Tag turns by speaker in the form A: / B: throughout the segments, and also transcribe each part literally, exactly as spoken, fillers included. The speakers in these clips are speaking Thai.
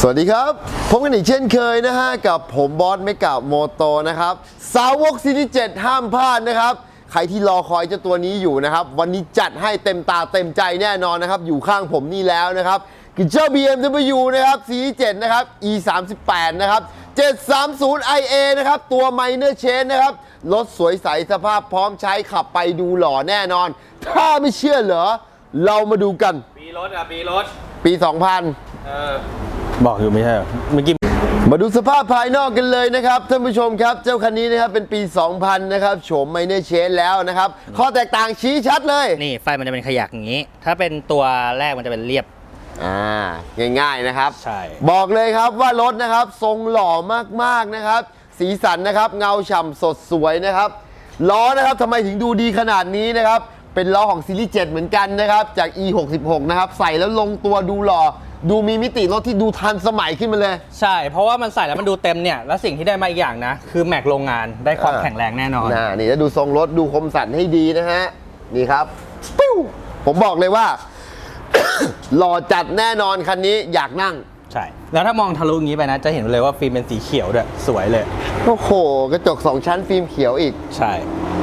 A: สวัสดีครับพบกันอีกเช่นเคยนะฮะกับผมบอสเมกะโมโตนะครับสาวกซีรีส์เจ็ดห้ามพลาดนะครับใครที่รอคอยเจ้าตัวนี้อยู่นะครับวันนี้จัดให้เต็มตาเต็มใจแน่นอนนะครับอยู่ข้างผมนี่แล้วนะครับคือเจ้า บี เอ็ม ดับเบิลยู นะครับซีรีส์เจ็ดนะครับ อี สามสิบแปด นะครับเจ็ดสามศูนย์ ไอ เอ นะครับตัว Minor Change นะครับรถสวยใสสภาพพร้อมใช้ขับไปดูหล่อแน่นอนถ้าไม่เชื่อเหรอเรามาดูกัน
B: ปีรถอ่ะปีรถ
A: ปี สองพัน
B: เออ
C: บอกอยู่ไม่ใช่เหรอเมื่อกี้
A: มาดูสภาพภายนอกกันเลยนะครับท่านผู้ชมครับเจ้าคันนี้นะครับเป็นปี สองพัน นะครับโฉม Minor Change แล้วนะครับข้อแตกต่างชี้ชัดเลย
C: นี่ไฟมันจะเป็นขยักอย่างนี้ถ้าเป็นตัวแรกมันจะเป็นเรียบ
A: อ่าง่ายๆนะครับ
C: ใช่
A: บอกเลยครับว่ารถนะครับทรงหล่อมากๆนะครับสีสันนะครับเงาฉ่ำสดสวยนะครับล้อนะครับทำไมถึงดูดีขนาดนี้นะครับเป็นล้อของซีรีส์เจ็ดเหมือนกันนะครับจาก อี หกสิบหก นะครับใส่แล้วลงตัวดูหล่อดูมีมิติรถที่ดูทันสมัยขึ้นมาเลย
C: ใช่เพราะว่ามันใส่แล้วมันดูเต็มเนี่ยแล้วสิ่งที่ได้มาอีกอย่างนะคือแม็กโรงงานได้ความแข็งแรงแน่นอน
A: นะนี่จะดูทรงรถดูคมสันให้ดีนะฮะนี่ครับปิ้วผมบอกเลยว่า หล่อจัดแน่นอนคันนี้อยากนั่ง
C: ใช่แล้วถ้ามองทะลุอย่างนี้ไปนะจะเห็นเลยว่าฟิล์มเป็นสีเขียวด้วยสวยเลย
A: โอ้โหกระจกสองชั้นฟิล์มเขียวอีก
C: ใช่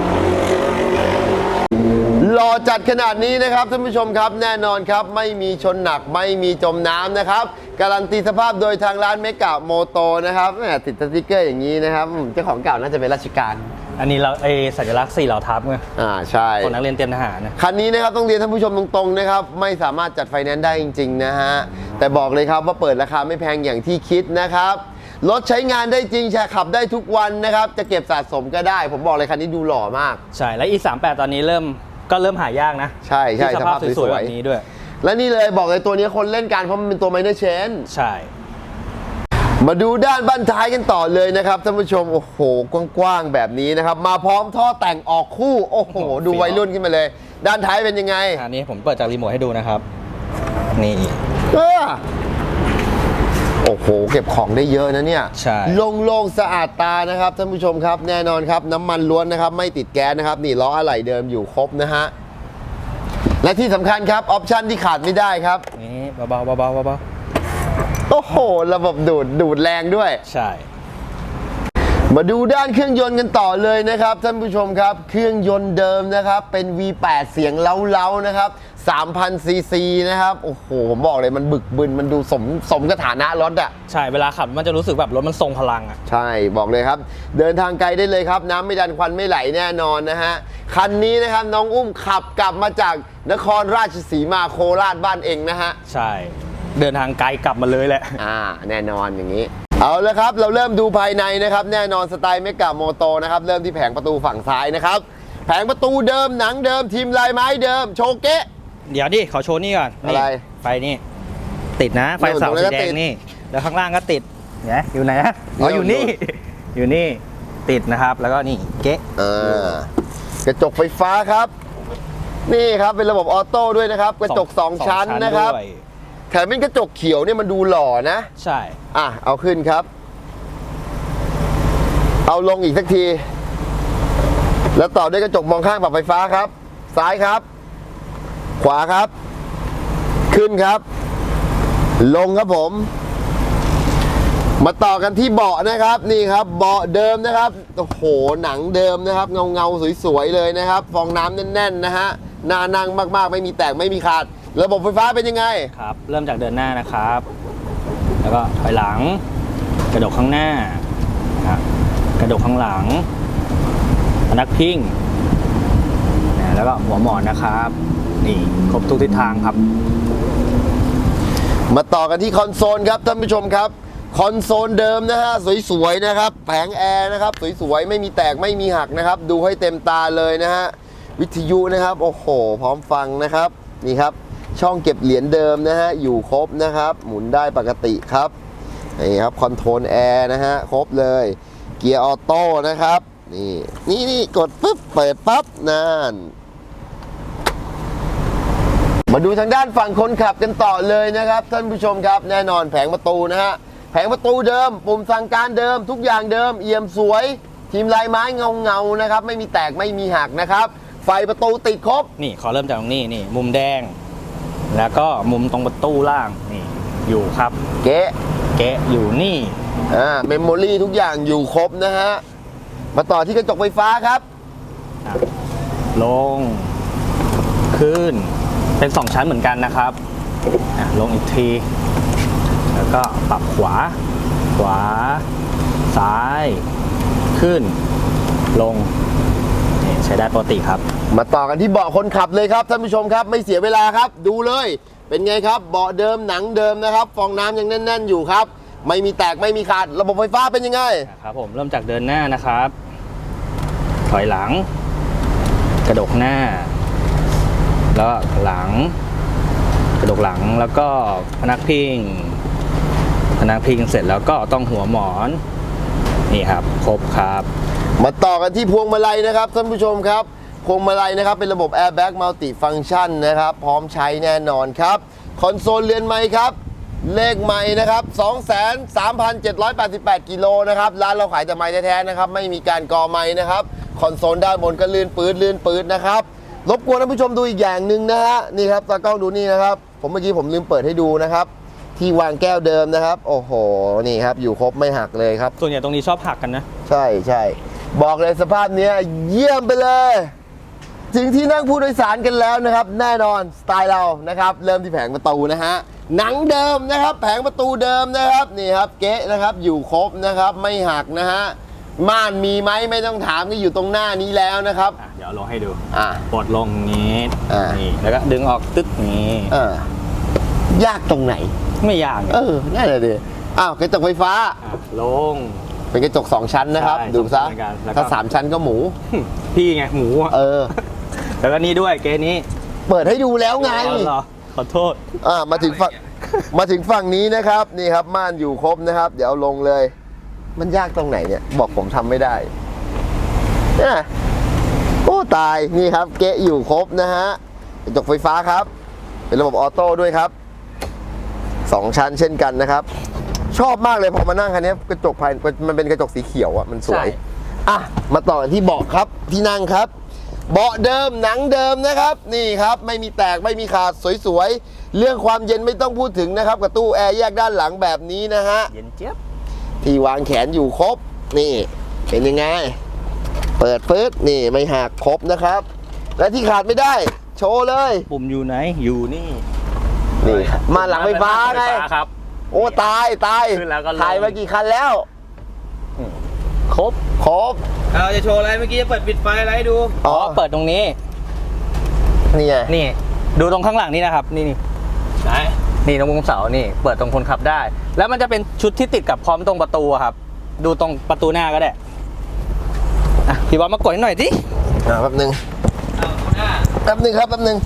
A: หล่อจัดขนาดนี้นะครับท่านผู้ชมครับแน่นอนครับไม่มีชนหนักไม่มีจมน้ำนะครับการันตีสภาพโดยทางร้านเมกะโมโตนะครับติดสติ๊กเกอร์อย่างนี้นะครับเจ้าของเก่าน่าจะเป็นราชการ
C: อันนี้เราเอสัญลักษณ์สี่เหล่าทัพไง
A: อ่าใช่
C: ของนักเรียนเตรียมทหารนะ
A: คันนี้นะครับต้องเรียนท่านผู้ชมตรงๆนะครับไม่สามารถจัดไฟแนนซ์ได้จริงๆนะฮะแต่บอกเลยครับว่าเปิดราคาไม่แพงอย่างที่คิดนะครับรถใช้งานได้จริงใช้ขับได้ทุกวันนะครับจะเก็บสะสมก็ได้ผมบอกเลยคันนี้ดูหล่อมาก
C: ใช่และ อี สามสิบแปด ตอนนี้เริ่มก็เริ่มหายากนะ
A: ใช่ใช่
C: สภาพสวยๆแบบนี้ด้วย
A: และนี่เลยบอกเลยตัวนี้คนเล่นกันเพราะมันเป็นตัว Minor Change
C: ใช่
A: มาดูด้านบั้นท้ายกันต่อเลยนะครับท่านผู้ชมโอ้โหกว้างๆแบบนี้นะครับมาพร้อมท่อแต่งออกคู่โอ้โหดูวัยรุ่นขึ้นมาเลยด้านท้ายเป็นยังไง
C: อันนี้ผมเปิดจากรีโมทให้ดูนะครับนี่
A: เออโอ้โหเก็บของได้เยอะนะเนี่ย
C: ใช่
A: โล่งๆสะอาดตานะครับท่านผู้ชมครับแน่นอนครับน้ำมันล้วนนะครับไม่ติดแก๊สนะครับนี่ล้ออะไหล่เดิมอยู่ครบนะฮะและที่สำคัญครับออปชั่นที่ขาดไม่ได้ครับ
C: นี่เบาๆเบาๆเบา
A: ๆโอ้โหระบบดูดดูดแรงด้วย
C: ใช่
A: มาดูด้านเครื่องยนต์กันต่อเลยนะครับท่านผู้ชมครับเครื่องยนต์เดิมนะครับเป็น วี แปด เสียงเล้าๆนะครับ สามพัน ซี ซี นะครับโอ้โหผมบอกเลยมันบึกบึนมันดูสมสมกับฐานะรถอ่ะ
C: ใช่เวลาขับมันจะรู้สึกแบบรถมันทรงพลังอ่ะ
A: ใช่บอกเลยครับเดินทางไกลได้เลยครับน้ำไม่ดันควันไม่ไหลแน่นอนนะฮะคันนี้นะครับน้องอุ้มขับกลับมาจากนครราชสีมาโคราชบ้านเองนะฮะ
C: ใช่เดินทางไกลกลับมาเลยแหละ
A: อ่าแน่นอนอย่างนี้เอาละครับเราเริ่มดูภายในนะครับแน่นอนสไตล์เมกะโมโตนะครับเริ่มที่แผงประตูฝั่งซ้ายนะครับแผงประตูเดิมหนังเดิมทีมลายไม้เดิมโชเกะ
C: เดี๋ยวดิขอโชว์นี่ก่อน
A: อะไร
C: ไฟนี่ติดนะไฟเสาสีแดงนี่แล้วข้างล่างก็ติดเนี่ยอยู่ไหนนะอ๋ออยู่นี่อยู่นี่ติดนะครับแล้วก็นี่เก๊ะ
A: อ่ากระจกไฟฟ้าครับนี่ครับเป็นระบบออโต้ด้วยนะครับกระจกสองชั้นนะครับแถมเป็นกระจกเขียวเนี่ยมันดูหล่อนะ
C: ใช่
A: อ่ะเอาขึ้นครับเอาลงอีกสักทีแล้วต่อด้วยกระจกมองข้างปรับไฟฟ้าครับซ้ายครับขวาครับขึ้นครับลงครับผมมาต่อกันที่เบาะนะครับนี่ครับเบาะเดิมนะครับโอ้โหหนังเดิมนะครับเงาเงาสวยๆเลยนะครับฟองน้ำแน่นๆนะฮะน่านั่งมากๆไม่มีแตกไม่มีขาดระบบไฟฟ้าเป็นยังไง
C: ครับเริ่มจากเดินหน้านะครับแล้วก็ถอยหลังกระดกข้างหน้านะกระดกข้างหลังพนักพิงแล้วก็หัวหมอนนะครับนี่ครบทุกทิศทางครับ
A: มาต่อกันที่คอนโซลครับท่านผู้ชมครับคอนโซลเดิมนะฮะสวยๆนะครับแผงแอร์นะครับสวยๆไม่มีแตกไม่มีหักนะครับดูให้เต็มตาเลยนะฮะวิทยุนะครับโอ้โหพร้อมฟังนะครับนี่ครับช่องเก็บเหรียญเดิมนะฮะอยู่ครบนะครับหมุนได้ปกติครับนี่ครับคอนโทรลแอร์นะฮะครบเลยเกียร์ออโต้นะครับนี่นี่นี่กดปุ๊บเปิดปั๊บนั่นมาดูทางด้านฝั่งคนขับกันต่อเลยนะครับท่านผู้ชมครับแน่นอนแผงประตูนะฮะแผงประตูเดิมปุ่มสั่งการเดิมทุกอย่างเดิมเอี่ยมสวยทีมลายไม้เงาเงานะครับไม่มีแตกไม่มีหักนะครับไฟประตูติดครบ
C: นี่ขอเริ่มจากตรงนี้นี่มุมแดงแล้วก็มุมตรงประตูล่างนี่อยู่ครับ
A: เก๊ะ
C: เก๊ะอยู่นี่
A: อ่าเมมโมรี่ทุกอย่างอยู่ครบนะฮะมาต่อที่กระจกไฟฟ้าครับ
C: อ่ะลง ขึ้น เป็นสองชั้นเหมือนกันนะครับอ่ะลงอีกที แล้วก็ปรับขวา ขวา ซ้าย ขึ้น ลงนี่ใช้ได้ปกติครับ
A: มาต่อกันที่เบาะคนขับเลยครับท่านผู้ชมครับไม่เสียเวลาครับดูเลยเป็นไงครับเบาะเดิมหนังเดิมนะครับฟองน้ำยังแน่น ๆอยู่ครับไม่มีแตกไม่มีขาดระบบไฟฟ้าเป็นยังไง
C: ครับผมเริ่มจากเดินหน้านะครับ ถอยหลัง กระดกหน้า แล้วหลัง กระดกหลังแล้วก็พนักพิงพนักพิงเสร็จแล้วก็ต้องหัวหมอนนี่ครับครบครับ
A: มาต่อกันที่พวงมาลัยนะครับท่านผู้ชมครับพวงมาลัยนะครับเป็นระบบ Airbag Multi Function นะครับพร้อมใช้แน่นอนครับคอนโซลเรือนไม้ครับเลขไม้นะครับ สองแสนสามพันเจ็ดร้อยแปดสิบแปด กิโลนะครับร้านเราขายแต่ไม้แท้ๆนะครับไม่มีการกอไม้นะครับคอนโซลด้านบนก็ลื่นปื๊ดลื่นปื๊ดนะครับรบกวนท่านผู้ชมดูอีกอย่างหนึ่งนะฮะนี่ครับตากล้องดูนี่นะครับผมเมื่อกี้ผมลืมเปิดให้ดูนะครับที่วางแก้วเดิมนะครับโอ้โหนี่ครับอยู่ครบไม่หักเลยครับ
C: ส่วนใหญ่ตรงนี้ชอบหักกันนะ
A: ใช่ใช่บอกเลยสภาพเนี้ยเยี่ยมไปเลยถึงที่นั่งผู้โดยสารกันแล้วนะครับแน่นอนสไตล์เรานะครับเริ่มที่แผงประตูนะฮะหนังเดิมนะครับแผงประตูเดิมนะครับนี่ครับเก๊ะนะครับอยู่ครบนะครับไม่หักนะฮะม่านมีไหมไม่ต้องถามก็อยู่ตรงหน้านี้แล้วนะครับ
C: อ่ะเดี๋ยวลงให้ดู
A: อ่า
C: ปลดลงนี้
A: อ่า
C: นี่แล้วก็ดึงออกตึ๊กนี้
A: เออยากตรงไหน
C: ไม่ยากเนี่ย
A: เออนั่นแหละดิอ้าวกระจกไฟฟ้า
C: อ่ะลง
A: เป็นกระจกสองชั้นนะครับ
C: ใช่
A: ดูซะ
C: สองชั้นเหมือนกันแล้วก็
A: ถ้าสามชั้นก็หมู
C: พี่ไงหมูอะ
A: เออ
C: แล้วก็นี่ด้วยเกนี้
A: เปิดให้ดูแล้วไง
C: อ๋อเหรอขอโทษ
A: อ่ามาถึงฝั่งมาถึงฝั่งนี้นะครับนี่ครับม่านอยู่ครบนะครับ เดี๋ยวเอาลงเลย มันยากตรงไหนเนี่ยบอกผมทำไม่ได้เนี่ยโอ้ตายนี่ครับเกะอยู่ครบนะฮะกระจกไฟฟ้าครับ เป็นระบบออโต้ด้วยครับสองชั้นเช่นกันนะครับ ชอบมากเลยพอมานั่งคันนี้กระจกภายมันเป็นกระจกสีเขียวอ่ะมันสวย
C: ใช่
A: อ่ะมาต่อกันที่เบาะครับที่นั่งครับ เบาะเดิมหนังเดิมนะครับนี่ครับไม่มีแตกไม่มีขาดสวยๆเรื่องความเย็นไม่ต้องพูดถึงนะครับกับตู้แอร์แยกด้านหลังแบบนี้นะฮะ
C: เย็นเจี๊ยบ
A: ที่วางแขนอยู่ครบนี่เป็นยังไงเปิดปึ๊ดนี่ไม่หักครบนะครับ และที่ขาดไม่ได้โชว์เลย
C: ปุ่มอยู่ไหนอยู่นี่
A: นี่มาหลังไฟฟ้าไง
C: ฟครับ
A: โอ้ตายตาย
C: ขึ้นแล้วก็ลง
A: ถ่ายมากี่คันแล้ว
C: ครบ
A: ครบ
B: เราจะโชว์อะไรเมื่อกี้จะเปิดปิดไฟอะไรให้ดู
C: อ๋อเปิดตรงนี้
A: นี่ไง
C: นี่ดูตรงข้างหลังนี่นะครับ นี่นี่
B: ไหน
C: นี่ตรงมุมเสานี่เปิดตรงคนขับได้ แล้วมันจะเป็นชุดที่ติดกับพร้อมตรงประตูอะครับ ดูตรงประตูหน้าก็ได้อ่ะพี่บอลมากดให้หน่อยสิ
A: อ่าแป๊บนึง
B: เอาหน้า
A: แป๊บนึงครับแป๊บนึง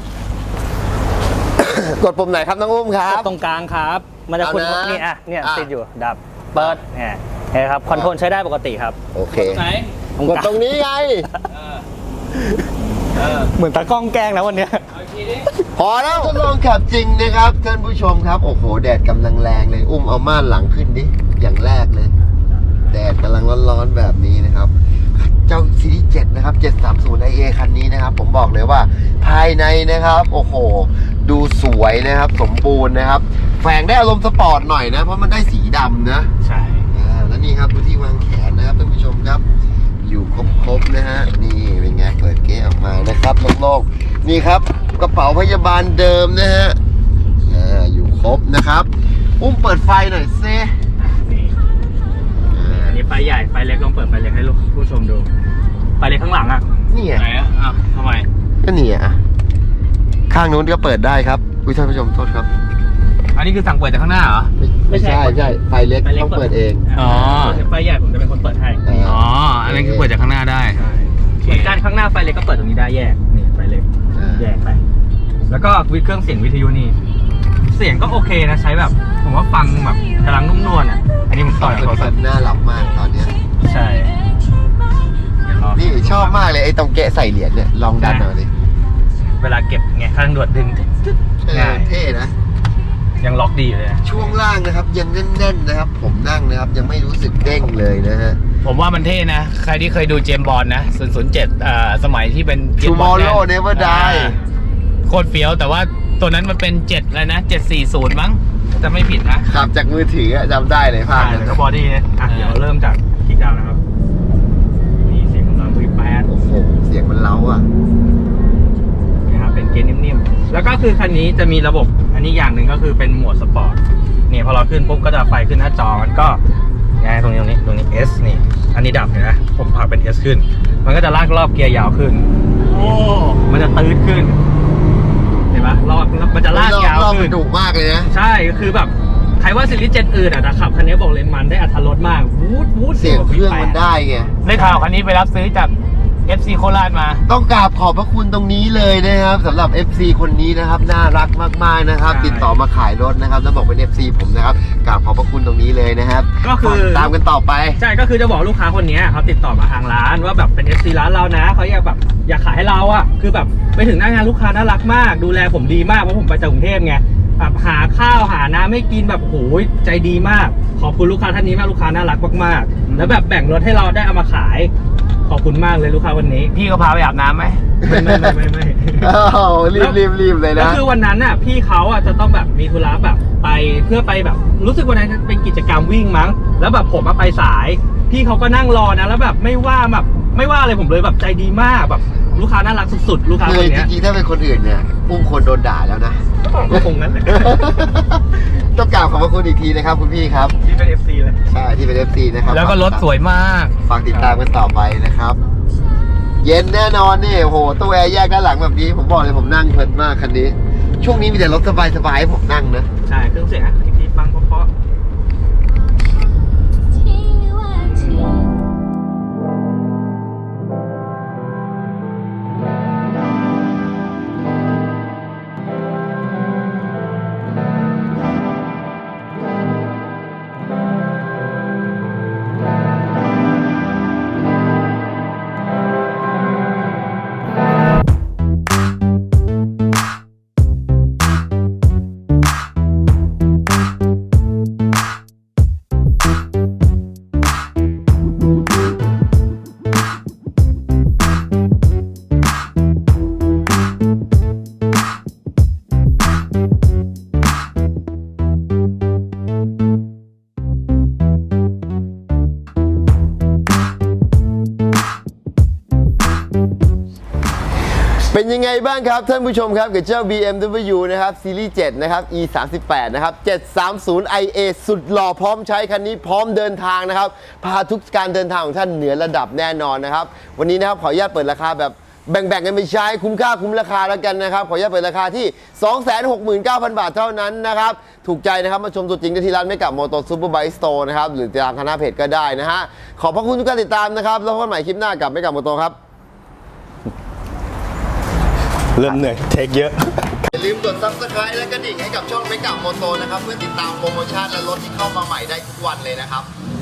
A: กดปุ่มไหนครับน้องอุ้มครับ
C: ตรงกลางครับ มันจะคุณ
A: เอานะ
C: นี่อ่ะเนี่ย
A: อ่ะ
C: ติดอยู่ดับเปิดเนี่ยเห็นไหมครับคอนโทรลใช้ได้ปกติครับ
A: โอเค
B: ตรงไหน
C: ตรง
A: กด
C: กลาง
A: ตรงนี้ไง
B: เออ เออ
C: เหมือนตากล้องแกล้งนะวันเนี้ย
B: เอาอีกทีดิ
A: พอแล้วทดลองขับจริงนะครับท่านผู้ชมครับโอ้โหแดดกำลังแรงเลยอุ้มเอาม่านหลังขึ้นดิอย่างแรกเลย แดดกำลังร้อนๆแบบนี้นะครับ เจ้าซีรีส์เจ็ดนะครับเจ็ดสามศูนย์ ไอ เอ คันนี้นะครับ ผมบอกเลยว่าภายในนะครับ โอ้โห ดูสวยนะครับ สมบูรณ์นะครับ แฝงได้อารมณ์สปอร์ตหน่อยนะ เพราะมันได้สีดำนะ
C: ใช่
A: อ่าแล้วนี่ครับดูที่วางแขนนะครับท่านผู้ชมครับ อยู่ครบๆนะฮะนี่เป็นไงเปิดเก๊ออกมานะครับโล่งๆนี่ครับกระเป๋าพยาบาลเดิมนะฮะอ่าอยู่ครบนะครับอุ้มเปิดไฟหน่อยเซ่
C: นี่อันนี้ไฟใหญ่ไฟเล็กลองเปิดไฟเล็กให้ลูกผู้ชมดูไฟเล็กข้างหลังอ่ะ
A: นี่ไง
B: ไหนอ่ะอ้าวทำไม
A: ก็นี่อ่ะข้างนู้นก็เปิดได้ครับอุ้ยท่านผู้ชมโทษครับ
B: อันนี้คือสั่งเปิดจากข้างหน้าเหรอ
A: ไม่ไม่ใช่ไม่ใช่ไฟเล็กต้องเปิดเอง
B: อ๋อ
C: ไฟใหญ่ผมจะเป็นคนเปิดให้
B: อ๋อ อันนั้นคือเปิดจากข้างหน้าได้
C: ใช่เหมือนกันข้างหน้าไฟเล็กก็เปิดตรงนี้ได้แยกนี่ไฟเล็ก
A: อ่า
C: แยกไป แล้วก็วิเครื่องเสียงวิทยุนี่ เสียงก็โอเคนะใช้แบบ ผมว่าฟังแบบกำลังนุ่มนวลอ่ะ อันนี้ผมต่อยกับโทรศัพท์
A: น่าหลับมากตอนเนี้ย
C: ใช่เดี๋ยวรอ
A: นี่ชอบมากเลยไอ้ตรงเกะใส่เหรียญเนี่ยลองดันหน่อยดิ
C: เวลาเก็บไงข้างด่วนดึง
A: เออ
C: ง่าย
A: เท่นะ
C: ยังล็อกดีอยู่เลยนะ
A: ช่วงล่างนะครับยังแน่นๆนะครับ ผมนั่งนะครับยังไม่รู้สึกเด้งเลยนะฮะ
B: ผมว่ามันเท่นะ ใครที่เคยดูเจมส์บอลนะศูนย์ศูนย์เจ็ดอ่าสมัยที่เป็น James Bond
A: Tomorrow Never Die
B: อ่าโคตรเฟี้ยว แต่ว่าตัวนั้นมันเป็นเจ็ดแล้วนะเจ็ดสี่ศูนย์มั้ง
A: ผ
B: จะไม่ผิดนะ
A: ขับจากมือถืออะจำได้เลยภาพนั้น
C: แล้วก็บอดี้นะอ่ะเดี๋ยวเริ่มจากคิกดาวน์นะครับนี่เสียงกำลังวีแปด
A: โอ้โหเสียงมันเล้าอ่ะ
C: นะครับเป็นเกียร์นิ่มๆแล้วก็คือคันนี้จะมีระบบอันนี้อย่างหนึ่งก็คือเป็นโหมดสปอร์ตนี่พอเราขึ้นปุ๊บก็จะไฟขึ้นหน้าจอมันก็เนี่ยตรงนี้ตรงนี้ตรงนี้ S นี่อันนี้ดับเห็นไหมผมผลักเป็น S ขึ้น มันก็จะลากรอบเกียร์ยาวขึ้นโอ้มันจะตื้นขึ้นเห็นปะรอบมันจะลากยาว
A: รอบมั
C: ขึ้
A: น
C: น
A: ดุมากเลยนะ
C: ใช่ก็คือแบบใครว่าซีรีส์เจ็ดอื่นอ่ะแต่ขับคันนี้บอกเลยมันได้อรรถรสมากวูดวูด
A: เสียงเครื่องมันได้ไง
B: ได้ข่าวคันนี้ไปรับซื้อจาก เอฟ ซี โคราชมา
A: ต้องกราบขอบพระคุณตรงนี้เลยนะครับสำหรับ เอฟ ซี คนนี้นะครับน่ารักมากๆนะครับ ติดต่อมาขายรถนะครับแล้วบอกเป็น เอฟ ซี ผมนะครับกราบขอบพระคุณตรงนี้เลยนะครับ
C: ก็คือ
A: ตามกันต่อไป
C: ใช่ก็คือจะบอกลูกค้าคนนี้เขาติดต่อมาทางร้านว่าแบบเป็น เอฟ ซี ร้านเรานะเขาอยากแบบอยากขายให้เราอ่ะคือแบบไปถึงหน้างานลูกค้าน่ารักมาก ดูแลผมดีมากเพราะผมไปจากกรุงเทพไงแบบหาข้าวหาน้ำให้กินแบบโหยใจดีมากขอบคุณลูกค้าท่านนี้มากลูกค้าน่ารักมากๆแล้วแบบแบ่งรถให้เราได้เอามาขายขอบคุณมากเลยลูกค้าวันนี้
B: พี่ก็พาไปอาบน้ำไหม
C: ไม่ไม่ไม่ไม่ไม่
A: อ้าวรีบรีบรีบเลย
C: แล้ว
A: นะ
C: คือวันนั้นน่ะพี่เขาอ่ะจะต้องแบบมีธุระแบบไปเพื่อไปแบบรู้สึกวันนั้นเป็นกิจกรรมวิ่งมั้งแล้วแบบผมมาไปสาย พี่เขาก็นั่งรอนะแล้วแบบไม่ว่าแบบไม่ว่าอะไรผมเลยแบบใจดีมากแบบลูกค้าน่ารักสุดๆลูกค้า
A: คื
C: ค
A: อน จ
C: เนี้ย
A: ริงๆถ้าเป็นคนอื่นเนี่ยอุ้มคนโดนด่าแล้วนะ
C: ก็คงนั้นแหละ
A: ต้องกราบขอบพระคุณอีกทีนะครับคุณพี่ครับ
C: ที่เป็น เอฟ ซี เลย
A: ใช่ที่เป็น เอฟ ซี นะครับ
B: แล้วก็รถสวยมาก
A: ฝากติดตามกันต่อไปนะครับ เย็นแน่นอนนี่โอ้โหตู้แอร์แยกด้านหลังแบบนี้ผมบอกเลยผมนั่งเพลินมากคันนี้ ช่วงนี้มีแต่รถสบายๆให้ผมนั่งนะ
C: ใช่เครื่องเสียงอ่ะอีกทีฟังเพราะ
A: เป็นยังไงบ้างครับท่านผู้ชมครับกับเจ้า บี เอ็ม ดับเบิลยู นะครับซีรีส์เจ็ดนะครับ อี สามสิบแปด นะครับ เจ็ดสามศูนย์ ไอ เอ สุดหล่อพร้อมใช้คันนี้พร้อมเดินทางนะครับพาทุกการเดินทางของท่านเหนือระดับแน่นอนนะครับวันนี้นะครับขออนุญาตเปิดราคาแบบแบ่งๆกันไปใช้คุ้มค่าคุ้มราคาแล้วกันนะครับขออนุญาตเปิดราคาที่ สองแสนหกหมื่นเก้าพัน บาทเท่านั้นนะครับถูกใจนะครับมาชมตัวจริงได้ที่ร้านไม่กับโมโตซูเปอร์ไบค์สโตร์นะครับหรือติดตามทางหน้าเพจก็ได้นะฮะขอบพระคุณทุกการติดตามนะครับแล้วพบกันใหม่คลิปหน้ากับไม่กับโมโตครับ
D: เริ่มเหนื่อยเทคเยอะ
A: อย่าลืมกด ซับสไครบ์ และกระดิ่งให้กับช่องไม่กับโมโตนะครับเพื่อติดตามโปรโมชั่นและรถที่เข้ามาใหม่ได้ทุกวันเลยนะครับ